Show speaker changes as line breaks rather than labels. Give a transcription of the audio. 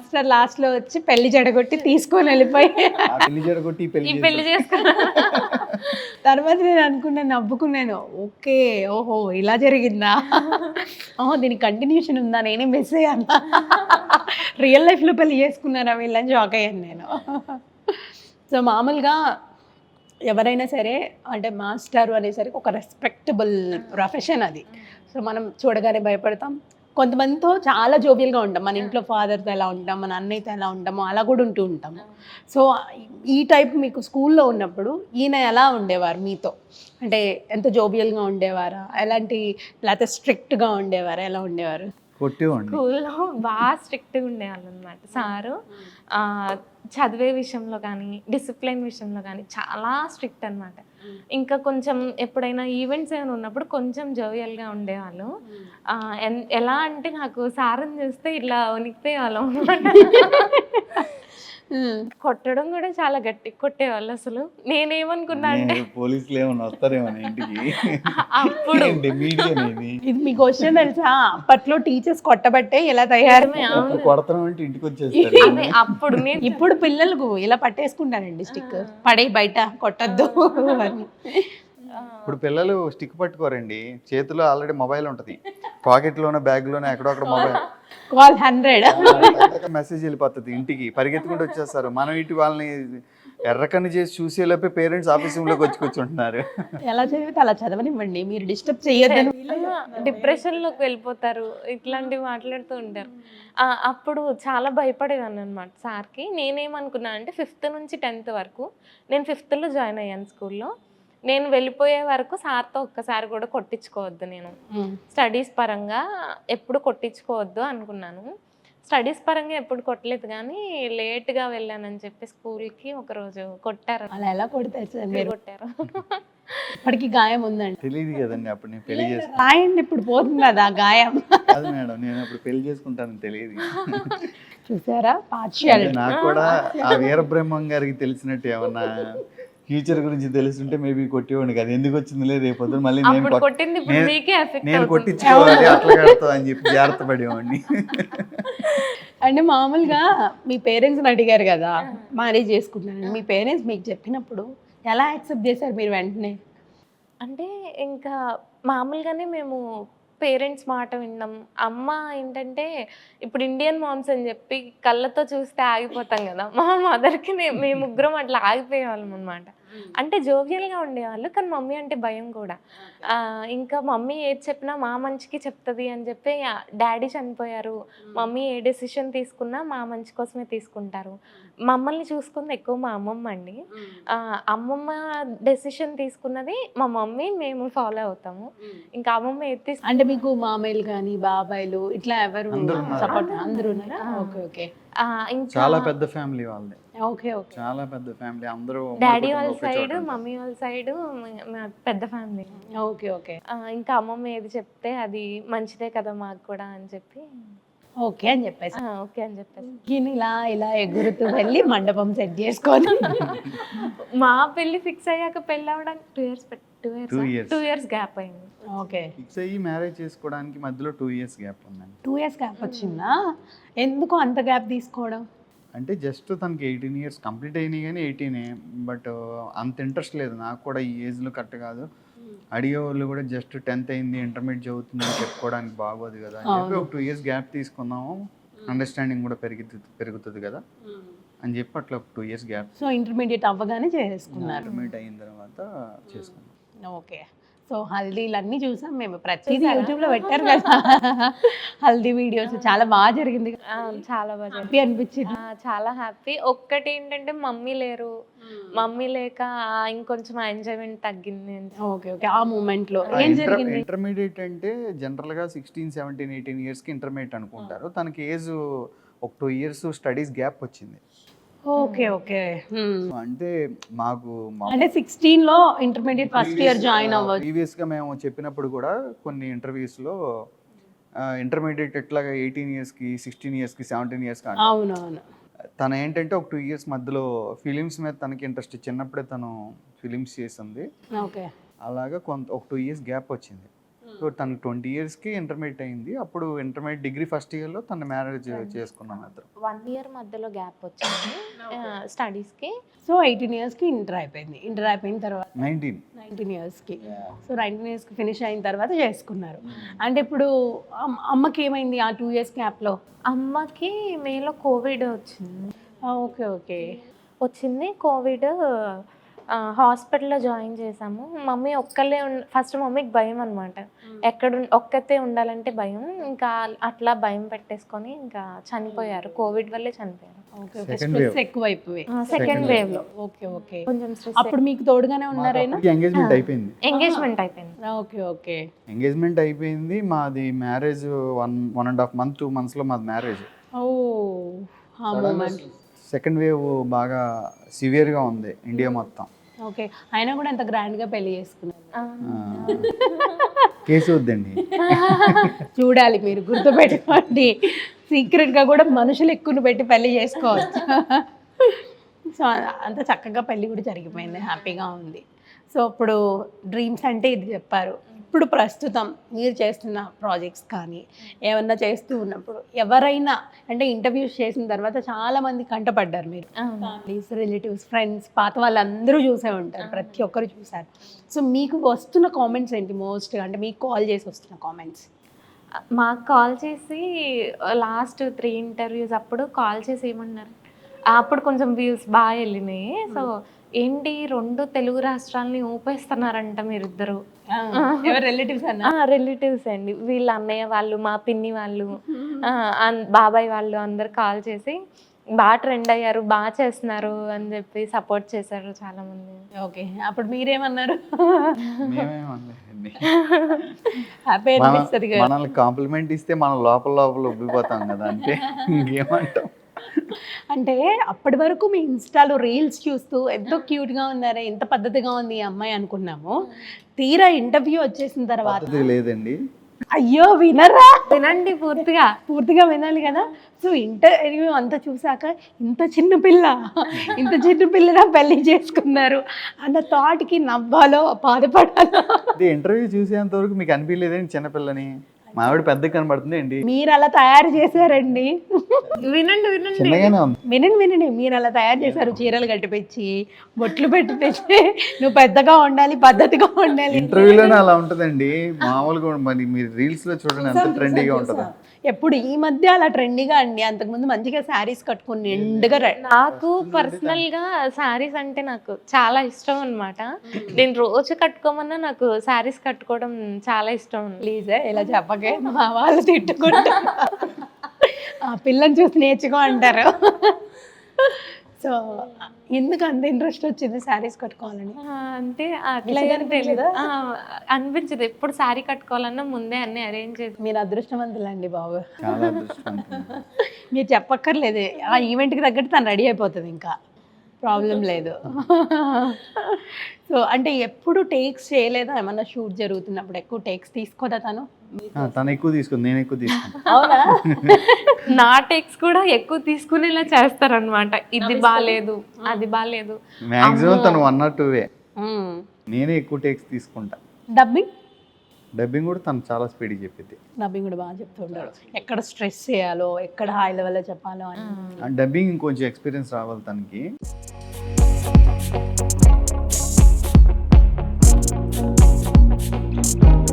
Master last లో వచ్చి పెళ్లి జడగొట్టి తీసుకొని వెళ్ళిపోయి
పెళ్లి జరగొట్టి
పెళ్లి చేసుకున్నా.
తర్వాత నేను అనుకున్నాను, నవ్వుకున్నాను. ఓకే, ఓహో ఇలా జరిగిందా, ఓహో దీనికి కంటిన్యూషన్ ఉందా, నేనే మిస్ అయ్యాను, రియల్ లైఫ్లో పెళ్లి చేసుకున్నారా వీళ్ళని షాక్ అయ్యాను నేను. సో మామూలుగా ఎవరైనా సరే అంటే మాస్టర్ అనేసరికి ఒక రెస్పెక్టబుల్ ప్రొఫెషన్ అది. సో మనం చూడగానే భయపడతాం. కొంతమందితో చాలా జోవియల్గా ఉంటాం, మన ఇంట్లో ఫాదర్తో ఎలా ఉంటాం, మన అన్నయ్యతో ఎలా ఉంటామో అలా కూడా ఉంటూ ఉంటాము. సో ఈ టైప్ మీకు స్కూల్లో ఉన్నప్పుడు ఈయన ఎలా ఉండేవారు మీతో? అంటే ఎంత జోవియల్గా ఉండేవారా, ఎలాంటి, లేకపోతే స్ట్రిక్ట్గా ఉండేవారా, ఎలా ఉండేవారు?
కొట్టేవాడిని.
స్కూల్లో బాగా స్ట్రిక్ట్గా ఉండేవాళ్ళు అనమాట సారు. చదివే విషయంలో కానీ డిసిప్లిన్ విషయంలో కానీ చాలా స్ట్రిక్ట్ అనమాట. ఇంకా కొంచెం ఎప్పుడైనా ఈవెంట్స్ ఏమైనా ఉన్నప్పుడు కొంచెం జోవియల్గా ఉండేవాళ్ళు. ఎలా అంటే నాకు సార్ని చూస్తే ఇట్లా వణికిపోయేవాళ్ళం అనమాట. కొట్టడం కూడా చాలా గట్టి కొట్టేవాళ్ళు. అసలు నేనేమనుకున్నా అంటే
పోలీసులు ఏమన్నా వస్తారేమో ఇంటికి
అప్పుడు
ఇది మీకు క్వశ్చన్ తెలుసా, అప్పట్లో టీచర్స్ కొట్టబట్టే ఇలా తయారు,
కొడతాం అంటే ఇంటికి వచ్చేస్తారు.
అప్పుడు
ఇప్పుడు పిల్లలకు ఇలా పట్టేసుకుంటారండి స్టిక్, పడే బయట కొట్టద్దు అని.
ఇప్పుడు పిల్లలు స్టిక్ పట్టుకోరండి, చేతిలో ఆల్రెడీ మొబైల్ ఉంటుంది, పాకెట్లోనే బ్యాగ్లోనే ఎక్కడొక్కడ మొబైల్,
కాల్ 100
మెసేజ్ వెళ్ళిపోతుంది ఇంటికి, పరిగెత్తుకుంటూ వచ్చేస్తారు. మనం ఇటు వాళ్ళని ఎర్రకన్ను చేసి చూసేలోపే పేరెంట్స్ ఆఫీస్ రూమ్లోకి వచ్చి కూర్చుంటున్నారు.
ఎలా చదివితే అలా చదవనివ్వండి, మీరు డిస్టర్బ్ చేయొద్దని.
డిప్రెషన్లోకి వెళ్ళిపోతారు, ఇట్లాంటివి మాట్లాడుతూ ఉంటారు. అప్పుడు చాలా భయపడేదాన్ని అనమాట సార్కి. నేనేమనుకున్నా అంటే 5th నుంచి 10th వరకు, నేను 5thలో జాయిన్ అయ్యాను స్కూల్లో. నేను వెళ్ళిపోయే వరకు సార్తో ఒక్కసారి కూడా కొట్టించుకోవద్దు, నేను స్టడీస్ పరంగా ఎప్పుడు కొట్టించుకోవద్దు అనుకున్నాను. స్టడీస్ పరంగా ఎప్పుడు కొట్టలేదు, కానీ లేట్గా వెళ్ళానని చెప్పి స్కూల్కి ఒకరోజు కొట్టారు.
అలా ఎలా కొడతారు సార్ మీరు?
కొట్టారు.
ఇప్పటికి గాయం ఉందండి.
తెలియదు కదండి అప్పుడు నేను పెళ్లి చేసుకుంటాను.
రాయండి, ఇప్పుడు పోతుంది కదా గాయం.
కాదు మేడం, నేను అప్పుడు పెళ్లి చేసుకుంటానని తెలియదు.
చూసారా పార్షియాలిటీ.
నాకు కూడా ఆ వీరబ్రహ్మం గారికి తెలిసినట్టు ఏమన్నా ఫ్యూచర్ గురించి తెలుసుంటే మేబీ కొట్టేవాడిని కాదు. ఎందుకు వచ్చిందిలే రేపు పొద్దున మళ్ళీ నేను కొట్టించుకోవాలి అట్లా కడతా అని చెప్పి జాగ్రత్త పడేవాడిని.
అంటే మామూలుగా మీ పేరెంట్స్ని అడిగారు కదా మ్యారేజ్ చేసుకుంటున్నాను, మీ పేరెంట్స్ మీకు చెప్పినప్పుడు ఎలా యాక్సెప్ట్ చేశారు మీరు వెంటనే?
అంటే ఇంకా మామూలుగానే మేము పేరెంట్స్ మాట విన్నాం. అమ్మ ఏంటంటే ఇప్పుడు ఇండియన్ మామ్స్ అని చెప్పి కళ్ళతో చూస్తే ఆగిపోతాం కదా, మా మదర్కి మేము ముగ్గురం అట్లా ఆగిపోయేవాళ్ళం అనమాట. అంటే జోవియల్గా ఉండేవాళ్ళు, కానీ మమ్మీ అంటే భయం కూడా. ఇంకా మమ్మీ ఏది చెప్పినా మా మంచికి చెప్తుంది అని చెప్పి, డాడీ చనిపోయారు, మమ్మీ ఏ డెసిషన్ తీసుకున్నా మా మంచి కోసమే తీసుకుంటారు. మమ్మల్ని చూసుకుంది ఎక్కువ మా అమ్మమ్మ అండి. అమ్మమ్మ డెసిషన్ తీసుకున్నది మా మమ్మీ, మేము ఫాలో అవుతాము. ఇంకా అమ్మమ్మ ఏది
అంటే మీకు మామయ్యలు కానీ బాబాయ్లు ఇట్లా ఎవరు సపోర్ట్? అందరూ ఉన్నారా? Okay okay.
చాలా పెద్ద ఫ్యామిలీ వాళ్ళది.
Okay okay.
చాలా పెద్ద ఫ్యామిలీ, అందరూ
డాడీ వాళ్ళ సైడ్ మమ్మీ వాళ్ళ సైడ్ పెద్ద ఫ్యామిలీ.
Okay okay.
ఇంకా అమ్మమ్మ ఏది చెప్తే అది మంచిదే కదా మాకు కూడా అని చెప్పి
ఓకే అని చెప్పేసి
ఓకే అని చెప్పేసి
ఇలా ఇలా ఎగురుతూ వెళ్ళి మండపం సెట్ చేసుకొని
మా పెళ్లి ఫిక్స్ అయ్యాక పెళ్ళి అవ్వడానికి 2 years గ్యాప్ అయింది.
ఓకే.
ఫిక్స్ అయ్యి మ్యారేజ్ చేసుకోవడానికి మధ్యలో 2 years గ్యాప్ ఉందండి.
2 years గ్యాప్ వచ్చిందా? ఎందుకు అంత గ్యాప్ తీసుకోవడం?
అంటే జస్ట్ తనకి 18 years కంప్లీట్ అయినాయి, కానీ 18 బట్ అంత ఇంట్రెస్ట్ లేదు నాకు కూడా ఈ ఏజ్లో కరెక్ట్ కాదు. అడిగే వాళ్ళు కూడా జస్ట్ 10th అయింది, ఇంటర్మీడియట్ చదువుతుంది అని చెప్పుకోవడానికి బాగోదు కదా అని చెప్పి ఒక 2 years గ్యాప్ తీసుకుందాము, అండర్స్టాండింగ్ కూడా పెరుగుతుంది కదా అని చెప్పి అట్లా ఒక 2 years గ్యాప్.
సో ఇంటర్మీడియట్ అవ్వగానే చేసుకున్నారు.
ఇంటర్మీడియట్ అయిన తర్వాత చేసుకున్నాం.
ఓకే. సో హల్దీలన్నీ చూసాం మేము, ప్రతిదీ యూట్యూబ్లో పెట్టారు కదా హల్దీ వీడియోస్, చాలా బాగా జరిగింది.
చాలా బాగా
హ్యాపీ అనిపించింది.
చాలా హ్యాపీ. ఒక్కటి ఏంటంటే మమ్మీ లేరు, మమ్మీ లేక ఇంకొంచెం ఎంజాయ్మెంట్ తగ్గింది.
Okay okay. ఆ మూమెంట్ లో ఏం జరిగింది?
ఇంటర్మీడియట్ అంటే జనరల్ గా 16, 17, 18 years కి ఇంటర్మీడియట్ అనుకుంటారు. తనకి ఏజ్ ఒక 2 years స్టడీస్ గ్యాప్ వచ్చింది.
Okay okay.
అంటే మాకు
అంటే 16 లో ఇంటర్మీడియట్ ఫస్ట్ ఇయర్ జాయిన్ అవ్వచ్చు.
ప్రీవియస్ గా మేము చెప్పినప్పుడు కూడా కొన్ని ఇంటర్వ్యూస్ లో ఇంటర్మీడియట్ ఎట్లాగా 18 years కి 16 years కి 17 years కి.
అవునవును.
తను ఏంటంటే ఒక 2 years మధ్యలో ఫిలిమ్స్ మీద తనకి ఇంట్రెస్ట్, చిన్నప్పుడే తను ఫిలిమ్స్ చేసింది.
ఓకే.
అలాగా ఒక 2 years గ్యాప్ వచ్చింది. సో తనకు 20 yearsకి ఇంటర్మీడియట్ అయింది. అప్పుడు ఇంటర్మీడియట్ డిగ్రీ ఫస్ట్ ఇయర్లో తన మ్యారేజ్ చేసుకున్నాం అతను.
1 year మధ్యలో గ్యాప్ వచ్చింది స్టడీస్కి.
సో 18 yearsకి ఇంటర్ అయిపోయింది. ఇంటర్ అయిపోయిన తర్వాత 19 yearsకి. సో 19 yearsకి ఫినిష్ అయిన తర్వాత చేసుకున్నారు. అంటే ఇప్పుడు అమ్మకి ఏమైంది ఆ 2 years గ్యాప్లో?
అమ్మకి మేలో కోవిడ్ వచ్చింది.
Okay okay.
వచ్చింది కోవిడ్. హాస్పిటల్లో జాయిన్ చేసాము. మమ్మీ ఒక్కళ్ళే ఫస్ట్ మమ్మీకి భయం అనమాట. ఒక్కతే ఉండాలంటే భయం. ఇంకా అట్లా భయం పెట్టేసుకొని ఇంకా చనిపోయారు. కోవిడ్ వల్లే చనిపోయారు.
స్ట్రెస్ ఎక్కువైపోయి
సెకండ్ వేవ్ లో.
Okay okay.
కొంచెం స్ట్రెస్.
అప్పుడు మీకు తోడుగానే ఉన్నారైనా?
ఎంగేజ్మెంట్ అయిపోయింది.
ఎంగేజ్మెంట్ అయిపోయింది.
Okay okay.
ఎంగేజ్మెంట్ అయిపోయింది. మాది మ్యారేజ్ 1.5 month 2 monthsలో మాది మ్యారేజ్.
ఓ ఆ మూమెంట్.
సెకండ్ వేవ్ బాగా సివియర్గా ఉంది ఇండియా మొత్తం.
ఓకే. అయినా కూడా అంత గ్రాండ్గా పెళ్లి చేసుకున్నారు.
కేసు వద్దండి.
చూడాలి, మీరు గుర్తుపెట్టుకోండి. సీక్రెట్గా కూడా మనుషులు ఎక్కువ పెట్టి పెళ్లి చేసుకోవచ్చు. సో అంత చక్కగా పెళ్లి కూడా జరిగిపోయింది, హ్యాపీగా ఉంది. సో ఇప్పుడు డ్రీమ్స్ అంటే ఇది చెప్పారు. ఇప్పుడు ప్రస్తుతం మీరు చేస్తున్న ప్రాజెక్ట్స్ కానీ ఏమన్నా చేస్తూ ఉన్నప్పుడు ఎవరైనా అంటే ఇంటర్వ్యూస్ చేసిన తర్వాత చాలామంది కంటపడ్డారు. మీరు ఫ్యామిలీస్, రిలేటివ్స్, ఫ్రెండ్స్, పాత వాళ్ళందరూ చూసే ఉంటారు, ప్రతి ఒక్కరు చూసారు. సో మీకు వస్తున్న కామెంట్స్ ఏంటి మోస్ట్గా? అంటే మీకు కాల్ చేసి వస్తున్న కామెంట్స్?
మాకు కాల్ చేసి లాస్ట్ 3 interviews అప్పుడు కాల్ చేసి ఏమన్నారు, అప్పుడు కొంచెం వ్యూస్ బాగా వెళ్ళినాయి. సో ఏంటి 2 తెలుగు రాష్ట్రాలని ఊపేస్తున్నారంట మీరిద్దరు.
రిలేటివ్స్
రిలేటివ్స్ అండి. వీళ్ళ అన్నయ్య వాళ్ళు, మా పిన్ని వాళ్ళు, బాబాయ్ వాళ్ళు అందరు కాల్ చేసి బాగా ట్రెండ్ అయ్యారు, బాగా చేస్తున్నారు అని చెప్పి సపోర్ట్ చేశారు చాలా మంది.
ఓకే. అప్పుడు మీరేమన్నారు?
మేమేమనలేదండి.
హ్యాపీ అనిపిస్తుంది కదా.
మనల్ని కాంప్లిమెంట్ ఇస్తే మనం లోపల ఉబ్బిపోతాం కదా, అంటే ఇంకేమంటాం.
అంటే అప్పటి వరకు మీ ఇన్స్టాలో రీల్స్ చూస్తూ ఎంతో క్యూట్గా ఉన్నారే, ఎంత పద్ధతిగా ఉంది ఈ అమ్మాయి అనుకున్నాము. తీరా ఇంటర్వ్యూ వచ్చేసిన తర్వాత
లేదండి.
అయ్యో వినరా?
వినండి, పూర్తిగా
వినాలి కదా. సో ఇంటర్వ్యూ అంతా చూసాక ఇంత చిన్న పిల్లరా పెళ్లి చేసుకున్నారు అన్న థాట్కి నవ్వాలో బాధపడాలో?
ఇంటర్వ్యూ చూసేంత వరకు మీకు అనిపించలేదండి చిన్నపిల్లని? మావిడ పెద్ద కనబడుతుంది అండి.
మీరు అలా తయారు చేశారండి.
వినండి
వినండి. మీరు అలా తయారు చేశారు, చీరలు కట్టిపించి, బొట్లు పెట్టిపించి, నువ్వు పెద్దగా ఉండాలి, పద్ధతిగా ఉండాలి.
ఇంటర్వ్యూలోనే అలా ఉంటుందండి. మామూలుగా మరి మీరు రీల్స్ లో చూడండి ఎంత ట్రెండీగా ఉంటుందా.
ఎప్పుడు ఈ మధ్య అలా ట్రెండీగా అండి. అంతకుముందు మంచిగా శారీస్ కట్టుకుని నిండుగా.
నాకు పర్సనల్ గా శారీస్ అంటే నాకు చాలా ఇష్టం అన్నమాట. నేను రోజు కట్టుకోమన్నా నాకు శారీస్ కట్టుకోవడం చాలా ఇష్టం.
ప్లీజ్ ఇలా చెప్పకే, మా వాళ్ళు తిట్టుకుంటా. ఆ పిల్లని చూసి నేర్చుకో అంటారు. సో ఎందుకు అంత ఇంట్రెస్ట్ వచ్చింది శారీస్ కట్టుకోవాలని?
అంటే అట్లా తెలియదు అనిపించదు. ఎప్పుడు శారీ కట్టుకోవాలన్నా ముందే అన్ని అరేంజ్ చేసి.
మీరు అదృష్టవంతులండి బాబు.
చాలా అదృష్టవంతులు.
మీరు చెప్పక్కర్లేదు, ఆ ఈవెంట్కి తగ్గట్టు తను రెడీ అయిపోతుంది, ఇంకా ప్రాబ్లం లేదు. సో అంటే ఎప్పుడు టేక్స్ చేయలేదా? ఏమన్నా షూట్ జరుగుతున్నప్పుడు ఎక్కువ టేక్స్ తీసుకోదా తను?
తను ఎక్కువ తీసుకుంది, నేను ఎక్కువ తీసుకుంటా.
అవునా?
నా టేక్స్ కూడా ఎక్కువ తీసుకునేలా చేస్తారనమాట. ఇది బాగాలేదు, అది బాగాలేదు.
మ్యాక్సిమం తను 1 or 2 నేనే ఎక్కువ టేక్స్ తీసుకుంటా. డబ్బింగ్ కూడా తను చాలా స్పీడ్ చెప్పింది.
డబ్బింగ్ కూడా బాగా చెప్తుంటాడు, ఎక్కడ స్ట్రెస్ చేయాలో, ఎక్కడ హై లెవెల్లో చెప్పాలో అని.
డబ్బింగ్ ఇంకొంచెం ఎక్స్పీరియన్స్ రావాలి తనకి.